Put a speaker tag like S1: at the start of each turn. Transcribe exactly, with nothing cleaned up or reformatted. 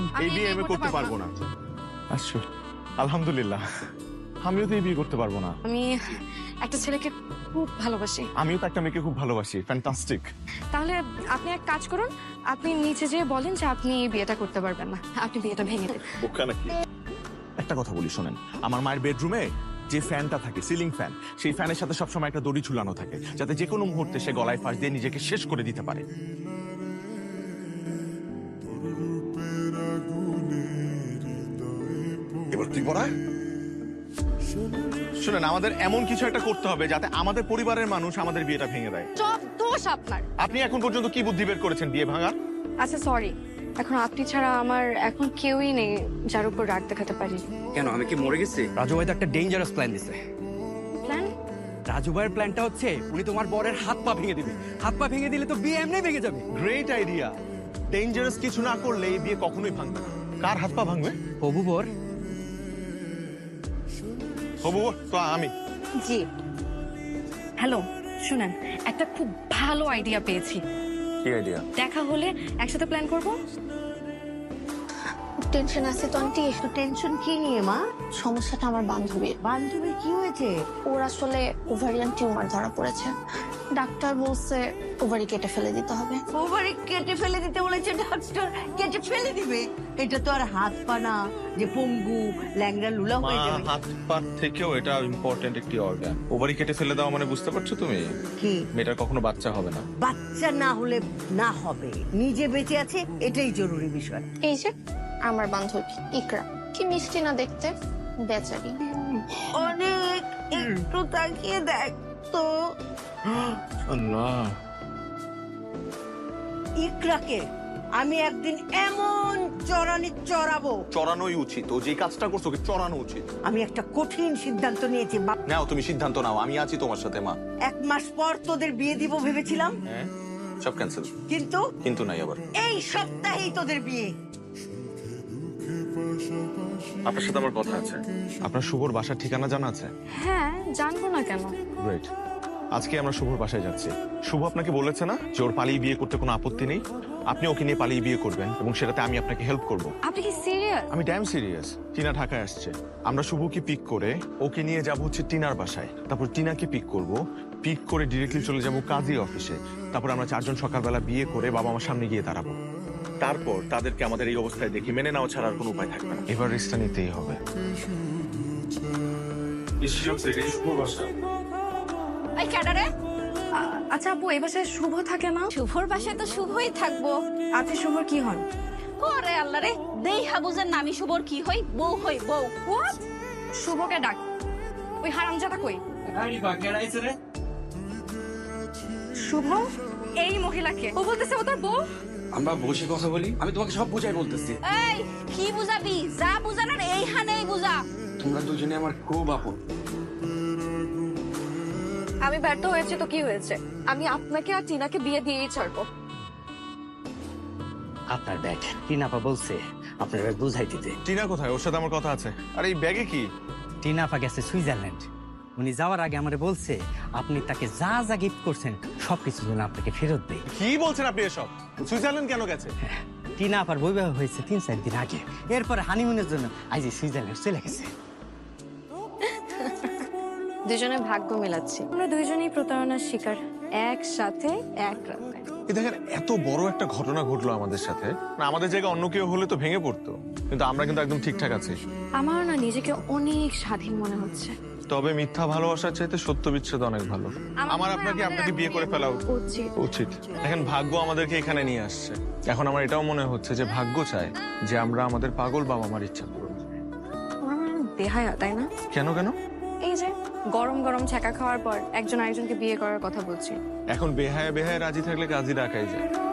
S1: এই বিয়ে আমি করতে পারবো না। আচ্ছা, আলহামদুলিল্লাহ, আমিও তো এই বিয়ে করতে পারবো না।
S2: আমি একটা ছেলেকে খুব ভালোবাসি।
S1: আমিও তো একটা মেয়েকে খুব ভালোবাসি। ফ্যান্টাস্টিক।
S2: তাহলে আপনি এক কাজ করুন, আপনি নিচে যেয়ে বলেন যে আপনি এই বিয়েটা করতে পারবেন না, আপনি বিয়েটা ভেঙে দেন।
S1: একটা কথা বলি শোনেন, আমার মায়ের বেডরুমে যে ফ্যানটা থাকে, সিলিং ফ্যান, সেই ফ্যানের সাথে সবসময় একটা দড়ি ঝুলানো থাকে, যাতে যে কোনো মুহূর্তে সে গলায় ফাঁস দিয়ে নিজেকে শেষ করে দিতে পারে। এবার তুই বলা শুনেন, আমাদের এমন কিছু একটা করতে হবে যাতে আমাদের পরিবারের মানুষ আমাদের বিয়েটা ভেঙে দেয়।
S2: সব দোষ আপনার।
S1: আপনি এখন পর্যন্ত কি বুদ্ধি বের করেছেন বিয়ে ভাঙার?
S2: আচ্ছা সরি, এখন আপনি ছাড়া আমার এখন কেউই নেই যার উপর রাগ দেখাতে পারি।
S3: কেন, আমি কি মরে গেছি? রাজু ভাই তো একটা ডেঞ্জারাস প্ল্যান দিছে।
S2: প্ল্যান?
S3: রাজু ভাইয়ের প্ল্যানটা হচ্ছে উনি তোমার বরের হাত পা ভেঙে দিবে। হাত পা ভেঙে দিলে তো বিয়ে এমনি ভেঙে যাবে।
S1: Great idea. ডেঞ্জারাস কিছু না করলে এই বিয়ে কখনোই ভাঙবে না। কার হাত পা ভাঙবে?
S3: হবু বর।
S1: হবু বর তো আমি।
S2: জি হ্যালো, শুনেন, একটা খুব ভালো আইডিয়া পেয়েছি।
S1: কি আইডিয়া?
S2: দেখা হলে একসাথে প্ল্যান করব।
S4: টেনশন আছে তো আন্টি।
S5: তো টেনশন কি নিয়ে মা?
S4: সমস্যাটা আমার বান্ধবীর।
S5: বান্ধবীর কি হয়েছে?
S4: ওর আসলে ওভারিয়ান টিউমার ধরা পড়েছে। ডাক্তার বলছে ওভারি কেটে ফেলে দিতে হবে।
S5: ওভারি কেটে ফেলে দিতে বলেছে ডাক্তার? কেটে ফেলে দিবে? এটা তো আর হাত পা না যে পঙ্গু ল্যাংড়া লুলা হয়ে যাবে।
S1: হাত পা থেকেও এটা ইম্পর্টেন্ট একটি অর্গান। ওভারি কেটে ফেলে দাও মানে বুঝতে পারছো তুমি?
S5: কি?
S1: মেয়েটার কখনো বাচ্চা হবে না।
S5: বাচ্চা না হলে না হবে, নিজে বেঁচে আছে এটাই জরুরি বিষয়।
S4: এই যে আমার বান্ধবী ইকরা, কি মিষ্টি না দেখতে, বেচারি।
S5: অনেক একটু তাকিয়ে দেখ তো।
S1: আল্লাহ,
S5: ইকরাকে আমি একদিন এমন চড়ানি চড়াবো।
S1: চড়ানোই উচিত। ও যে কাজটা করছো ওকে চড়ানো উচিত।
S5: আমি একটা কঠিন সিদ্ধান্ত নিয়েছি বাপ।
S1: নাও তুমি সিদ্ধান্ত নাও, আমি আছি তোমার সাথে মা।
S5: এক মাস পর তোদের বিয়ে দিব ভেবেছিলাম,
S1: হ্যাঁ, সব ক্যান্সেল।
S5: কিন্তু
S1: কিন্তু নাই আবার।
S5: এই সপ্তাহেই তোদের বিয়ে।
S1: আপনার সাথে আমার কথা আছে। আপনার শুভর বাসার ঠিকানা জানা আছে?
S2: হ্যাঁ, জানবো না কেন।
S1: গ্রেট। আজকে আমরা শুভর বাসায় যাচ্ছি। শুভ আপনাকে বলেছে না যে ওর পালিয়ে বিয়ে করতে কোনো আপত্তি নেই? আপনি ওকে নিয়ে পালিয়ে বিয়ে করবেন এবং সেটাতে আমি আপনাকে হেল্প করব।
S2: আপনি কি সিরিয়াস?
S1: আমি ড্যাম সিরিয়াস। টিনা ঢাকায় আসছে, আমরা শুভকে পিক করে ওকে নিয়ে যাব হচ্ছে টিনার বাসায়। তারপর টিনাকে পিক করব, পিক করে ডিরেক্টলি চলে যাব কাজী অফিসে। তারপর আমরা চারজন সকালবেলা বিয়ে করে বাবা আমার সামনে গিয়ে দাঁড়াবো। তারপর তাদেরকে আমাদের এই অবস্থায় দেখি মেনে নেওয়া ছাড়া আর কোনো উপায় থাকবে না। এবার রিস্কটা নিতেই হবে।
S2: এই ক্যাডারে? আচ্ছা আপু, এই বাসায় শুভ থাকে না?
S6: শুভর বাসায় তো শুভই থাকবো।
S2: আচ্ছা, শুভর কি হন?
S6: ওরে আল্লাহ রে, দেই হাবুজের নামি শুভর কি হই? বউ হই বউ।
S2: হোয়াট? শুভকে ডাক। ওই হারামজাদা কই? শুভ? এই মহিলাকে ও বলতেছে ও তোর বউ?
S3: আমরা বসে কথা বলি, আমি তোমাকে সব বুঝাই বলতেছি।
S6: এই কি বুঝাবি? যা বুঝানোর এইখানেই বুঝা।
S3: তোমরা দুজনে আমার খুব আপন।
S2: আমি ব্যর্থ হয়েছে তো কি হয়েছে? আমি আপনাকে আর টিনাকে বিয়ে দিয়েই ছাড়বো।
S7: আপনার ব্যাগ টিনাপা বলছে আপনার ব্যাগ বুঝাই দিতে।
S1: টিনা কোথায়? ওর সাথে আমার কথা আছে। আর এই ব্যাগে কি?
S7: টিনাপা গেছে সুইজারল্যান্ড। উনি যাওয়ার আগে আমারে বলছে আপনি তাকে যা যা গিফট করছেন সবকিছু যেন আপনাকে ফেরত দেয়।
S1: কি বলছেন আপনি এসব? সুইজারল্যান্ড কেন গেছে?
S7: টিনাপার বৈবাহ হয়েছে তিন চার দিন আগে, এরপরে হানিমুনের জন্য আজ সুইজারল্যান্ড চলে গেছে।
S2: দুজনে ভাগ্য মেলাচ্ছি। আমরা দুইজনেই প্রতারণার শিকার, একসাথে এক রাতে।
S1: এই দেখেন, এত বড় একটা ঘটনা ঘটলো আমাদের সাথে। না, আমাদের জায়গায় অন্য কেউ হলে তো ভেঙে পড়তো, কিন্তু আমরা কিন্তু একদম ঠিকঠাক আছি।
S2: আমার না নিজেকে অনেক স্বাধীন মনে হচ্ছে।
S1: তবে মিথ্যা ভালোবাসার চাইতে সত্য বিচ্ছেদ অনেক ভালো। আমার আপনাকে আপনাকে বিয়ে করে ফেলা
S2: উচিত।
S1: উচিত। দেখেন, ভাগ্য আমাদেরকে এখানে নিয়ে আসছে। এখন আমার এটাও মনে হচ্ছে যে ভাগ্য চায় যে আমরা আমাদের পাগল বাবা মার ইচ্ছা পূরণ করি।
S2: আমার মনে হয় দেহায়া, তাই না?
S1: কেন কেন?
S2: এই যে গরম গরম ছ্যাঁকা খাওয়ার পর একজন আরেকজনকে বিয়ে করার কথা বলছি।
S1: এখন বেহায় বেহায় রাজি থাকলে কাজী ডাকাই যায়।